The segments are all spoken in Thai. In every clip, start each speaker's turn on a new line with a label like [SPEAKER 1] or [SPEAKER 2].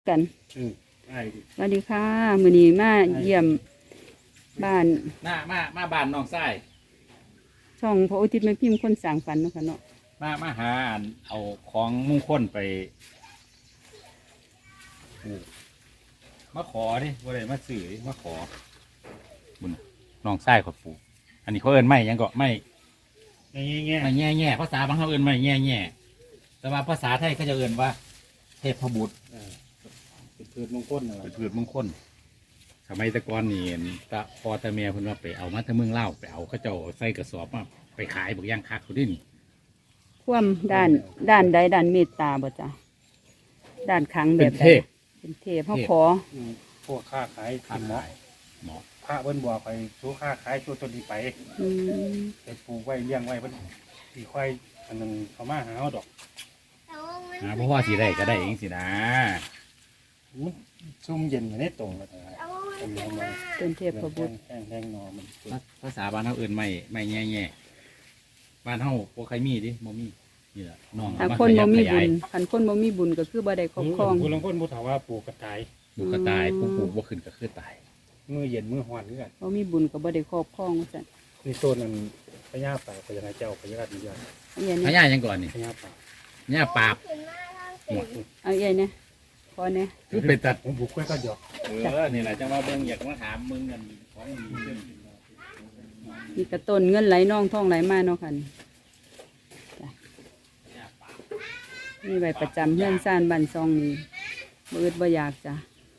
[SPEAKER 1] กัน
[SPEAKER 2] ได้ดิ
[SPEAKER 1] สวัสดีค่ะมื้อนี้มาเยี่ยมบ้าน
[SPEAKER 3] มาบ้านน้องไส้
[SPEAKER 1] ช่องพระอุทิศแม่พิมพ์คนสร้างฝันเนาะค่ะเนาะ
[SPEAKER 3] มาหาเอาของมงคลไปมาขอดิว่าอะไรมาสื่อมาขอบุญน้องไส้ขอปู่อันนี้เขาเอิ้นไม่ยังก็ไม่แง่ภาษาบางเขาเอิ้นไม่แง่แต่ว่าภาษาไทยเขาจะเอิ้นว่าเทพบุตร
[SPEAKER 2] เป็นพืชมงคลอะไร
[SPEAKER 3] เป็นพืชมงคลสมัยตะกอนนี่ตะพอตะเมียเพิ่นว่าไปเอามาทางเมืองเล่าไปเอาเขาเจ้าใส่กระสอบมาไปขายบอกย่างคักเขาดิน
[SPEAKER 1] ความด้านใดด้านเมตตาบ่จ้ะด้านขังแบบใดเป็นเทพเฮาขอ
[SPEAKER 2] พวกค้าขายหมอพระเบิ้นบัวไปสู้ค้าขายสู้ต้นที่ไปไปปลูกไว้เลี้ยงไว้เพิ่นที่ควายอันนึงเขามาหาดอก
[SPEAKER 3] เพราะว่าสีได้ก็ได้เองสินะ
[SPEAKER 2] ซุ่มเย็นอยู่ในตรงเลย
[SPEAKER 1] เป็นเทพพระบุตร
[SPEAKER 2] แห้งนอมัน
[SPEAKER 3] ภาษาบ้านเขาเอื่นไม่แง่บ้านเขาพวกใครมีดิโมมีนี่แหละน้อง
[SPEAKER 1] คนบ่มีบุญคนบ่มีบุญก็คือบ่ได้ครอบครอง
[SPEAKER 2] ผู้ลางคนผู้ถามว่าปลูกกระต่าย
[SPEAKER 3] ผู้ปลูกบ่ขึ้นก็คือตาย
[SPEAKER 2] มือเย็นมือฮ้อนคือกัน
[SPEAKER 1] บ่มีบุญก็บ่ได้ครอบครองว่าซั่น
[SPEAKER 2] นี่ต้นนั้นพญาป่าพญาเจ้าพญาดีอย่าง
[SPEAKER 3] พญายังก่อนนี่
[SPEAKER 2] พญาป่า
[SPEAKER 3] เนี่ยปราบ
[SPEAKER 1] เอาใหญ่เนี่ยพอเนี่ย
[SPEAKER 3] คือเป็นตัด
[SPEAKER 2] ผมปลูกกล้วยก็หยอก
[SPEAKER 3] นี่แหละจังว่าเบิ่งอยากมาถามมึงกันของดี
[SPEAKER 1] มีกระต้นเงินไหลน่องท่องไหลมาเนาะค่ะนี่ใบประจำเฮือนซ่านบ้านซองนี่บ่อึดบ่อยากจ้ะ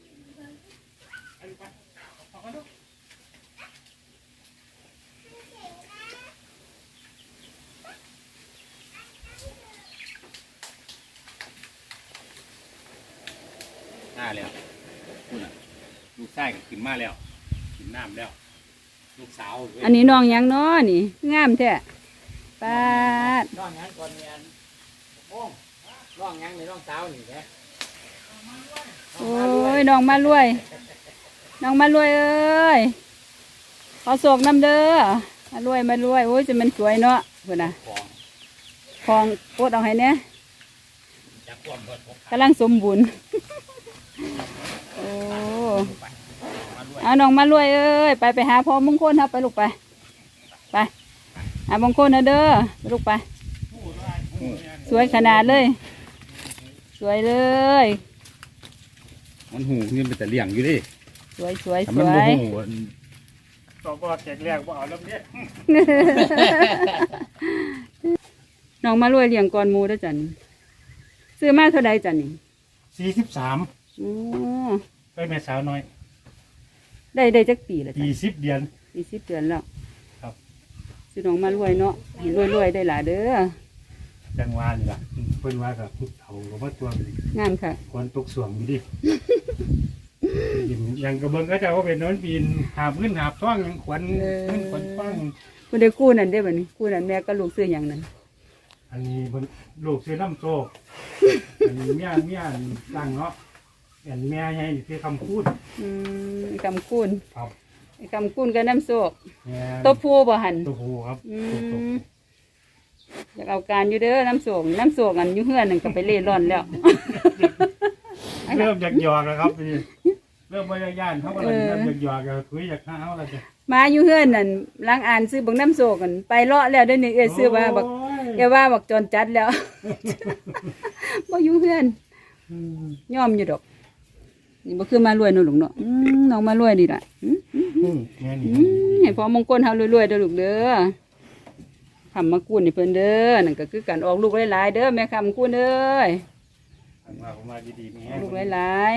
[SPEAKER 3] แล้วคุณลูกชายก็ขึ้นมาแล้วขึ้นน้ำแล้วลูกสาว
[SPEAKER 1] อันนี้น้องยังน้อนี่งามแท้ป้า
[SPEAKER 3] น้องยังก่อนเมียนโอ้น้องยังในน้องสาวนี่แหละ
[SPEAKER 1] โอ้ยน้องมารวยน้องมารวยเอ้ยขอโศกน้ำเด้อมารวยโอ้ยจะมันสวยเนาะคุณน่ะของโคตรเอาให้เนี่ยกำลังสมบูรณ์โอ้เอาน้องมารวยเอ้ยไปหาพ่อมงคลครับไปลูกไปหามงคลนะเด้อไปลูกไปสวยขนาดเลยสวยเลย
[SPEAKER 3] มันหูเงินเป็นแต่เลี้ยงอยู่ดิ
[SPEAKER 1] สวย
[SPEAKER 2] ต่อก็แจกแรกว่าเอาแล้วเนี่ย
[SPEAKER 1] น้องมารวยเลี้ยงก่อนมูได้จันซื้อมาเท่าใดจันนี่
[SPEAKER 2] 43ไปแม่สาวน้อย
[SPEAKER 1] ได้จักปีแล้วจ้ะ
[SPEAKER 2] 20 เดือน
[SPEAKER 1] 20 เดือนแล้ว
[SPEAKER 2] ครับ
[SPEAKER 1] ซื้อน้องมารวยเนาะให้รวยได้หลายเด้อ
[SPEAKER 2] จังหวะนี่ล่ะเพิ่นว่ากับพุทธเฒ่าก็มาตัว
[SPEAKER 1] งามค่ะ
[SPEAKER 2] ควรตกสวงอยู่ดิยังกระเบื้องก็จะว่าเป็นน้นปีนหาพื้นหาท้องยังขวัญท้อง
[SPEAKER 1] คุณได้กู้นั่นได้บ่นี่กู้นั่นแม่ก็ลูกซื้ออย่างนั้น
[SPEAKER 2] อันนี้ลูกซื้อน้ำโซอันนี้เมียตั้งเนาะอันแม่ใหญ่คือคำพูด
[SPEAKER 1] คำคูณ
[SPEAKER 2] ครับ
[SPEAKER 1] คำคูณกับน้ำโซ
[SPEAKER 2] ตัว
[SPEAKER 1] ผู้บ่หัน
[SPEAKER 2] ตัวผู้ครับ
[SPEAKER 1] อยากเอาการอยู่เด้อน้ำโซอันอยู่เฮือนนั่นก็ไปเล่ร่อนแล้ว
[SPEAKER 2] เริ่มอยากหยอกแล้วครับพี่เริ่มไม่ได้ย่านเขาก็เลยเริ่มอยากหยอกคุยอยากข้าวอะไรจ้ะ
[SPEAKER 1] มาอยู่เฮือนนั่นล้างอ่านซื้อบักน้ำโซกันไปเลาะแล้วเดี๋ยวนี้ซื้อว่าบักว่าบักจนจัดแล้วบ่อยู่เฮือนยอมอยู่ดอกนี่บ่คือมารวยเนาะลูกเนาะน้องมารวยดีล่ะให้พ่อมงคลเฮารวยๆเด้อลูกเด้อคำมากู้นี่เพิ่นเด้อนั่นก็คือการออกลูกหลายๆเด้อแม่คำกู้เด้อ
[SPEAKER 2] มาดีๆมี
[SPEAKER 1] ลูกหลาย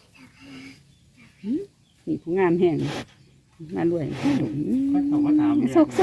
[SPEAKER 1] ๆนี่ผู้งามแห้งมารวยโซก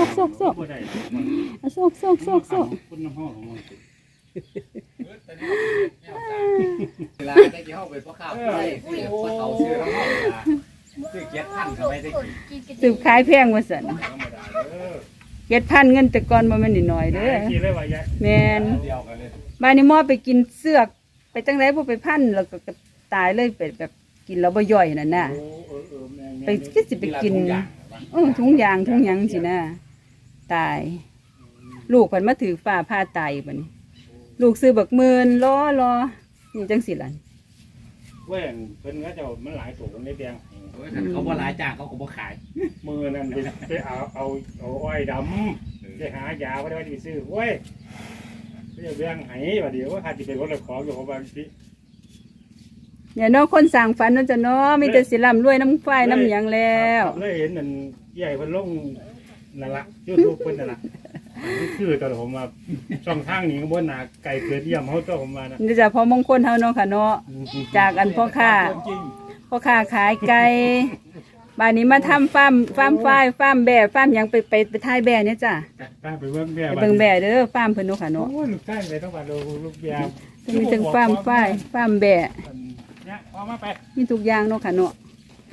[SPEAKER 3] เวลาได้กี่ห้องเป็นพ่อข้าวได้พ่อเขาซื้อทั้งห้องซื้อเก็บพันเข้าไปได้กี่
[SPEAKER 1] สืบขายแพงว่าสั่น7,000เงินแต่ก่อนบ่แม่นน้อยเด้อแม่นบ้านนี้มอไปกินเสือกไปจังได๋บ่ไปพันแล้วก็ตายเลยไปแบบกินแล้วบ่ย่อยนั่นน่ะไปคือสิไปกินถุงยางสินะตายลูกเพิ่นมาถือฟ้าผ่าตายบัดนี้ลูกซื้อบักหมื่นรอนี่จังสิล่ะ
[SPEAKER 2] เว้ยเพิ่นก็จะมันหลายตัวในแดง
[SPEAKER 3] เขาบ่หลายจ้างเขาก็บ่ขาย
[SPEAKER 2] มือนั่นไปเอาอ้อยดำไปหายาไว้ได้ไปซื้อเว้ยไม่จะแบ่งให้ว่าเดี๋ยวว่าถ้าจะเป็นรถละของอยู่ของบางที
[SPEAKER 1] เนี่ยเนาะคนสั่งฝันเนาะจ้ะเนาะมีแต่สิร่ำรวยน้ำฝ้ายน้ำหยังแล้ว
[SPEAKER 2] เลยเห็นนั่นใหญ่เพิ่นลงนั่นละยูทูบเพิ่นนั่นละคือตอนผมมาช่องทางนี้ก็บ่หนาไก่เกิดเยี่ยมเขาตัวผมมานะ
[SPEAKER 1] นี่จ้ะพอมงคลเฮาเนาะค่ะเนาะจากอันพ่อค้าขายไก่บ้านนี้มาทำฟาร์มฝ้ายฟาร์มแบะฟาร์มหยังไปถ่ายแบะเนี่ยจ้ะ
[SPEAKER 2] ไปเบิ่งแม่
[SPEAKER 1] ไปเบิ่งแบะเด้อฟาร์มเพิ่นเนาะค่ะเนาะ
[SPEAKER 2] โอ้ลูกชายไปต้องมาดูลูกยาม
[SPEAKER 1] มีทั้งฟาร์มฝ้ายฟาร์มแบะ
[SPEAKER 2] เนี่ยพอมาไป
[SPEAKER 1] มีทุกอย่างเนาะค่ะเนาะ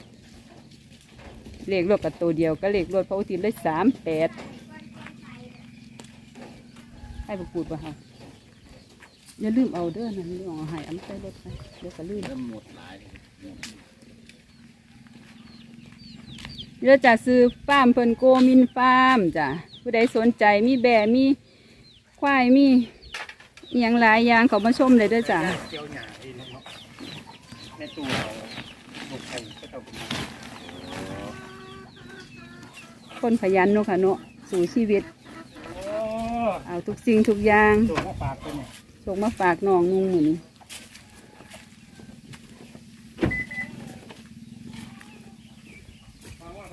[SPEAKER 1] เลขรถกับตัวเดียวก็เลขรถพระอุทิศเลย38ให้ประกูดป่ะคะอย่าลืมเอาเด้อนั่นเรื่องเอาให้เอามาใส่รถไปเดี๋ยวก็ลืม
[SPEAKER 3] เริ่มหมดหลาย
[SPEAKER 1] เดี๋ยวจะซื้อฟาร์มเพิ่นโกมินฟาร์มจ้ะผู้ใดสนใจมีแบะมีควายมีอหย่างหลายอย่างเขามาชมเลยเด้อจ้ะ
[SPEAKER 2] เกี่ยวหญ้าอีเนาะแม่ตู้เราลูกไข่ก็ต้องมา
[SPEAKER 1] คนขยันเนาะค่ะเนาะสู่ชีวิต
[SPEAKER 2] โอ้
[SPEAKER 1] เอาทุกสิ่งทุกอย่าง
[SPEAKER 2] ตัวมาฝากตัวเนี่ย
[SPEAKER 1] ส่งมาฝากน้องนุ่งหมุน
[SPEAKER 2] ฟังว่าไป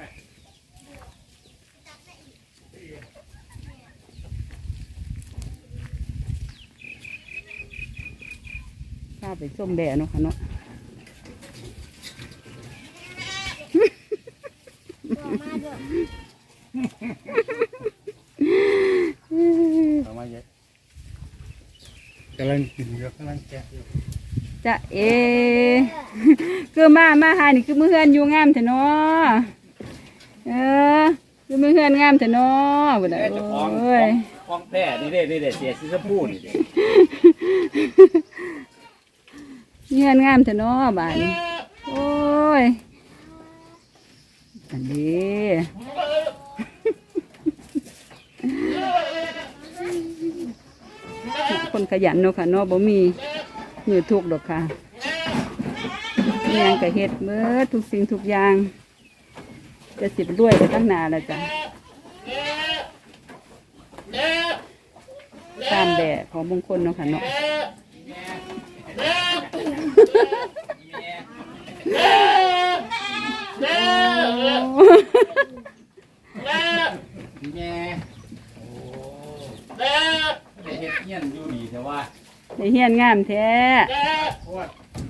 [SPEAKER 1] ข้าไปส้มแบะเนาะค่ะเนาะ
[SPEAKER 2] เอามาเยอะกำลังกินอยู่กำลังแกะอยู่
[SPEAKER 1] จะเอ คือมาหานี่คือมือเฮือนอยู่งามเถอะเนาะคือมือเฮือนงามเถอะเนาะบ่ได้โอ้ย
[SPEAKER 3] คลองแท้นี่เด้เสียสิสปูนี่เด้
[SPEAKER 1] เฮือนงามเถอะเนาะบ้านนี้โอ้ยอันนี้คนขยันเนาะค่ะเนาะบ่มีมือทุกข์ดอกค่ะอิหยังก็เฮ็ดเบิดทุกสิ่งทุกอย่างจะสิบรวยไปตั้งนานแล้วจ้ะตามแบบของมงคลเนาะค่ะเนาะ
[SPEAKER 3] แง่โอ้ได้เฮ็ดเฮียนอยู่ดีแต่ว่า
[SPEAKER 1] ได้เฮียนงามแท้
[SPEAKER 2] โอ้ย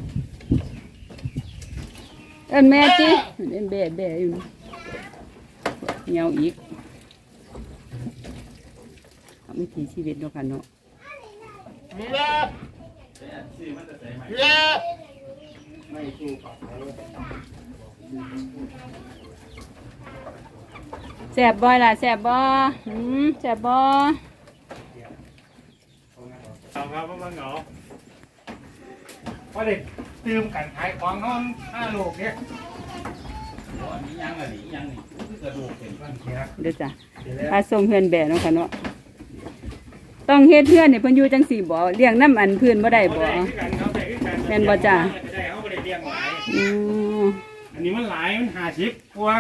[SPEAKER 1] เอิ้นแม่จิเล่นแบ่อยู่นี่เหี่ยวอีกเอาวิถีชีวิตเนาะค่ะเนาะแสบบ่ล่ะแสบบ่แสบบ่
[SPEAKER 2] เอาครับมาเหงาเพราะเด็กตื่มกันขายของเขา5 โลกเนี่ย
[SPEAKER 3] อันนี้ยังอันนี้ยังนี่คือกระดูกเป็น
[SPEAKER 2] บ้านเขีย
[SPEAKER 1] เด้อจ้ะ
[SPEAKER 2] เดี๋ยวแล้ว
[SPEAKER 1] พาส่งเฮือนแบ่เนาะค่ะเนาะต้องเฮ็ดเฮือนนี่เพิ่นอยู่จังสี่บ่เลี้ยงน้ำอันพื้นบ่ได้บ่ แม่นบ่จ๊ะ
[SPEAKER 2] ได้เขาบ่ได้เลี้ยงหลาย
[SPEAKER 1] อือ
[SPEAKER 2] อันนี้มันหลายมัน50กว่า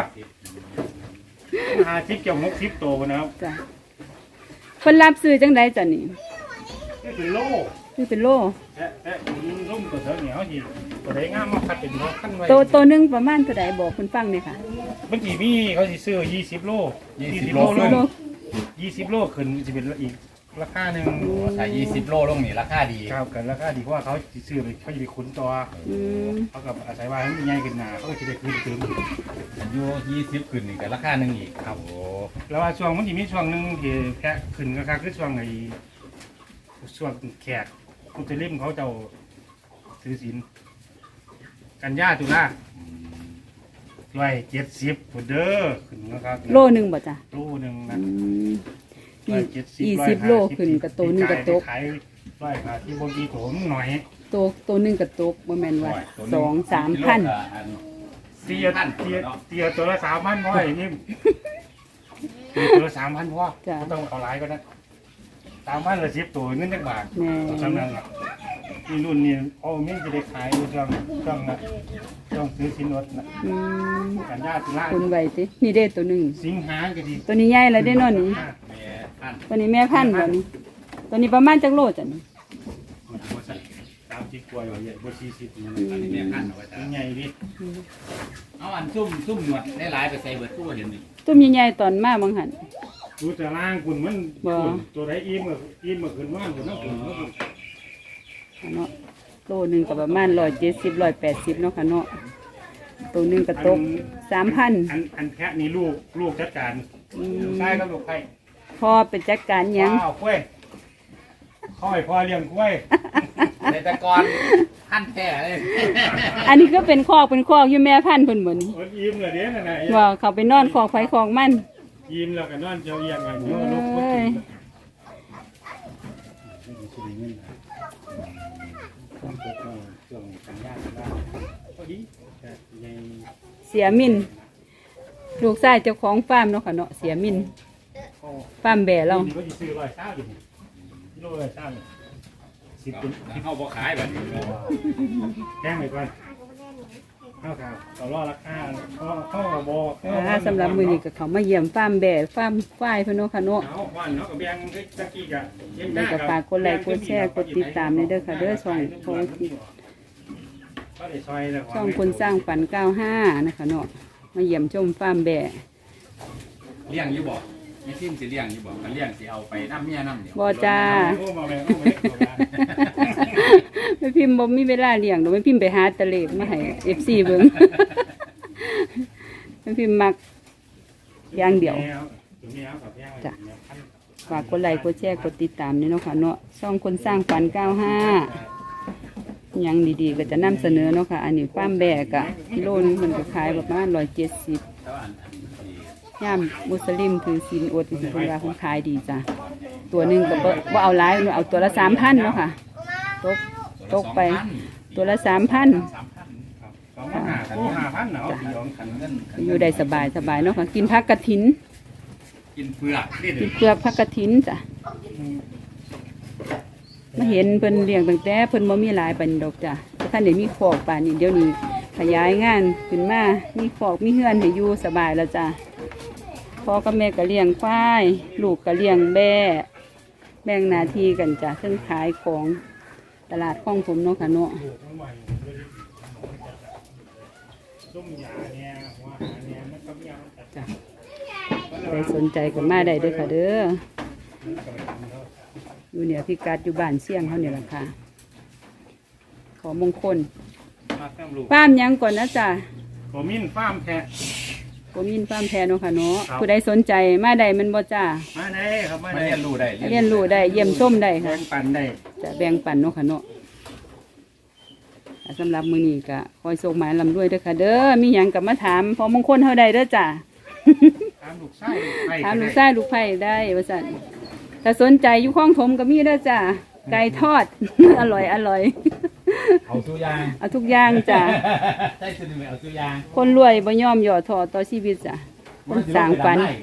[SPEAKER 2] 50เกี่ยว60ตัวนะครับ
[SPEAKER 1] จ้ะเพิ่นรับซื้อจังไดจ้ะนี่
[SPEAKER 2] นี่เป็นโล
[SPEAKER 1] คือเป็นโล
[SPEAKER 2] และร่มตัวเสือเหนียวสิตัวไหนงามมาคัดเป็นรถขั้นไว้
[SPEAKER 1] ตัวหนึงประมาณเท่าใดบอกเพิ่นฟังหน่อยค่ะ
[SPEAKER 2] เมื่อกี้มีเขาสิซื้อ20 โล
[SPEAKER 3] 20
[SPEAKER 2] โล
[SPEAKER 3] โล
[SPEAKER 2] ลง20 โลขึ้นจะเป็นอีกราคาหนึ่ง
[SPEAKER 3] ถ้า20 โลลงนี่ราคาดี
[SPEAKER 2] ครับกันราคาดีเพราะว่าเขาสิซื้อไปเขาจะไปขุนตัว
[SPEAKER 1] อืม
[SPEAKER 2] เขากับอาศัยว่าให้มันใหญ่ขึ้นหนาเขาก็จะได้คืนเติม
[SPEAKER 3] อายุ20ขึ้นนี่ก็ราคาหนึงอีกครับโอ้
[SPEAKER 2] แล้วว่าช่วงมันจะมีช่วงหนึ่งที่แค่ขึ้นก็คือช่วงไอ้ช่วงแขกมุสลิมเขาเจ้าถือศีลกันยาตุลาร้อย70พุ่นเด้อขึ้นนะครับ
[SPEAKER 1] โลหนึงบ่จ้ะ
[SPEAKER 2] โลหนึ่ง
[SPEAKER 1] อื
[SPEAKER 2] นะ
[SPEAKER 1] ม20โลขึ้นกับตัวหนึงก็ตก
[SPEAKER 2] ขายร้อยบาทที่บางทีโถมหน่อย
[SPEAKER 1] ตัวหนึงก็ตกบ่แม่นว่า
[SPEAKER 3] ตัวหนึ่
[SPEAKER 1] 2-3 พัน
[SPEAKER 2] เตียตัวละ3,000พ่ออย่างนี้ตัวละ3,000พ่อต้องเอาหลายก็ได้3,000ละ10ตัวเงินจักบาท
[SPEAKER 1] แม่
[SPEAKER 2] สำนักอ่ะนี่รุ่นนี้เอาเม่นจะได้ขายอยู่ช่องซื้อสินอดนะ
[SPEAKER 1] อืม
[SPEAKER 2] กันยาตุลา
[SPEAKER 1] คุณไว้ตินี่เด้ตัวหนึง
[SPEAKER 2] สิงหาก็ดี
[SPEAKER 1] ตัวนี้ใหญ่แล้วเด้เนาะนี่
[SPEAKER 3] แม่พันธุ์
[SPEAKER 1] ตัวนี้แม่พันธุ์บ่นี่ตัวนี้ประมาณจักโลจ้ะนี่
[SPEAKER 2] มันบ่ใส่30กว่าอยู่บ่40นี่
[SPEAKER 3] อันนี้แม่พันธุ์เอาไว้ตา
[SPEAKER 2] ใหญ่ดิ
[SPEAKER 3] เอาอันซุ่มหนวดได้หลายไปใส่เบิดตู้เห็นนี่
[SPEAKER 1] ตุ้มใหญ่ๆตอนมาบางหัน
[SPEAKER 2] ดูแต่ล่างคุณมัน
[SPEAKER 1] บ่
[SPEAKER 2] ตัวไหนอิ่มก็ขึ้นว่างคุณน้ำคุณ
[SPEAKER 1] เนาะโลหนึงก็ประมาณ170 180เนาะค่ะเนาะตัวหนึงก็ตก 3,000
[SPEAKER 2] อันแพะนี่ลูกจัดการใช่ครับลูกไข่
[SPEAKER 1] พอเป็นจัดการหยัง
[SPEAKER 2] ว้าวกล้วยค่อยพอเลี้ยงกล้วย
[SPEAKER 3] ในตะกอนพันธุ์แท้เลย
[SPEAKER 1] อันนี้ก็เป็นคอกอยู่แม่พันธุ์เพิ่นบ่นี่
[SPEAKER 2] มันอิ่มเลยเด้นั่นน่ะ
[SPEAKER 1] ว่าเขาไปนอนคอกไฟคอกมัน
[SPEAKER 2] อิ่มแล้วก็นอนเจียวเอียงไงเดี๋ยวลูก
[SPEAKER 1] เอ้ย
[SPEAKER 2] ช่วงกันยากได้พอดีแต่ใหญ่
[SPEAKER 1] เสียมินลูกชายเจ้าของฟาร์มเนาะค่ะเนาะเสียมินฟาร์มแบ่เรา
[SPEAKER 2] นี่ก็จะซื้อ100อยู่กิโล10010เป็น
[SPEAKER 3] เข้าบ่ขายแบบนี้
[SPEAKER 2] แจ้งไปก่อนเข้าข่าวต่อรอราคาเข้าบอก
[SPEAKER 1] สำหรับมื้อนี้ก็เขามาเยี่ยมฟาร์มแบ่ฟาร์มควายเพิ่นเนาะค่ะเนาะ
[SPEAKER 2] เอาวันเนาะกับแบงตะกี้กะ
[SPEAKER 1] แล้วก็ฝากกดไลค์กดแชร์กดติดตามในเด้อค่ะเด้อช่องคนสร้างฝัน95นะคะเนาะมาเยี่ยมชมฟาร์มแบ่
[SPEAKER 3] เลี้ยงอยู่บ่ไม่ซิ่มสิเลี้ยงอยู่บ่คันเลี้ยงสิเอาไปน้ำเมียน้ำเดียว
[SPEAKER 1] บ่จ้า ไม่พิมพ์บ่มีเวลาเลี้ยงดอกไม่พิมพ์ไปหาตะเลกมาให้ FC เบิ่ง ไม่พิมพ์มักอย่างเดียว จ้ะ ฝากกดไลค์กดแชร์กดติดตามนี่เนาะค่ะเนาะช่องคนสร้างฝัน95ยังดีๆก็จะนำเสนอเนาะค่ะอันนี้ฟาร์มแบกอะกิโลนึงมันก็ขายประมาณ170
[SPEAKER 3] แต่ว่าอัน
[SPEAKER 1] ย่ามมุสลิมถือศีลอดที่เพิ่นว่าเพิ่นขายดีจ้ะตัวหนึงก็บ่เอาหลายเอาตัวละ 3,000เนาะค่ะตกไปตัวละ 3,000
[SPEAKER 3] 3,000
[SPEAKER 2] 5,000เนาะ
[SPEAKER 1] อยู่ได้สบายเนาะค่ะกินผักกระถิน
[SPEAKER 3] กินเปลือกนี่
[SPEAKER 1] กินเปลือกผักกระถินจ้ะมาเห็นเพิ่นเลี้ยงตั้งแต่เพิ่นบ่มีหลายปานนี้ดอกจ้ะแต่ท่านได้มีคอกป่านนี้เดี๋ยวนี้ขยายงานขึ้นมามีคอกมีเฮือนให้อยู่สบายแล้วจ้ะพ่อกับแม่ก็เลี้ยงควายลูกก็เลี้ยงแบ่แบ่งหน้าที่กันจ้ะซึ่งขายของตลาดคลองผมเนาะค่ะเนาะ
[SPEAKER 2] ส้มยาเนี่ยหัวหาเนี่ยมันก็มีเอา
[SPEAKER 1] จ้ะใครสนใจก็มาได้เด้อค่ะเด้ออยู่เนี่ยพิกัดอยู่บ้านเสี่ยงเขาเนี่ยแหละค่ะขอมงคล
[SPEAKER 2] มาแต้มลูก
[SPEAKER 1] ฟาร์มหยังก่อนนะจ๊ะ
[SPEAKER 2] ผมมินฟาร์มแพะ
[SPEAKER 1] ผมยินฟาร์มแทนเนาะค่ะเนาะ
[SPEAKER 2] ครับ
[SPEAKER 1] ผู้ใดสนใจมาได้มันบ่จ้า
[SPEAKER 2] มาได้ครับมา
[SPEAKER 3] มา
[SPEAKER 2] ได้
[SPEAKER 3] เรียนรู้ได้
[SPEAKER 1] เรียนรู้ได้เยี่ยมชมได้
[SPEAKER 2] แบ่
[SPEAKER 1] ค่ะ
[SPEAKER 2] งปันได้
[SPEAKER 1] จะแบ่งปันเนาะค่ะเนาะสำหรับมื้อนี้ก็คอยส่งหมายลำด้วยเด้อค่ะเด้อมีหยังก็มาถามพอมงคลเฮาได้เด้อจ้า
[SPEAKER 2] ถามลูกไส้ไผ่
[SPEAKER 1] ถามลูกชายลูกไผ่ได้ว่าซั่นถ้าสนใจอยู่คลองถมก็มีเด้อจ้าไก่ทอด อร่อย
[SPEAKER 3] เอาสู้ยาง
[SPEAKER 1] เอาทุกอย่างจ้า
[SPEAKER 3] ใช่สิเอาสู้ยาง
[SPEAKER 1] คนรวยบ่ยอมย่อท้อต่อชีวิตจ้ะคนสร้างฝัน
[SPEAKER 2] มา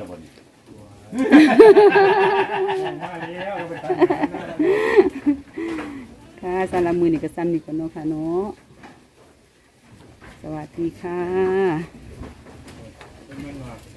[SPEAKER 2] แล้วไปตามหา
[SPEAKER 1] ค่ะสำหรับมื้อนี้ก็ซ้ำนี่ก่อนเนาะค่ะเนาะสวัสดีค่ะ
[SPEAKER 2] เป็นเงินว่า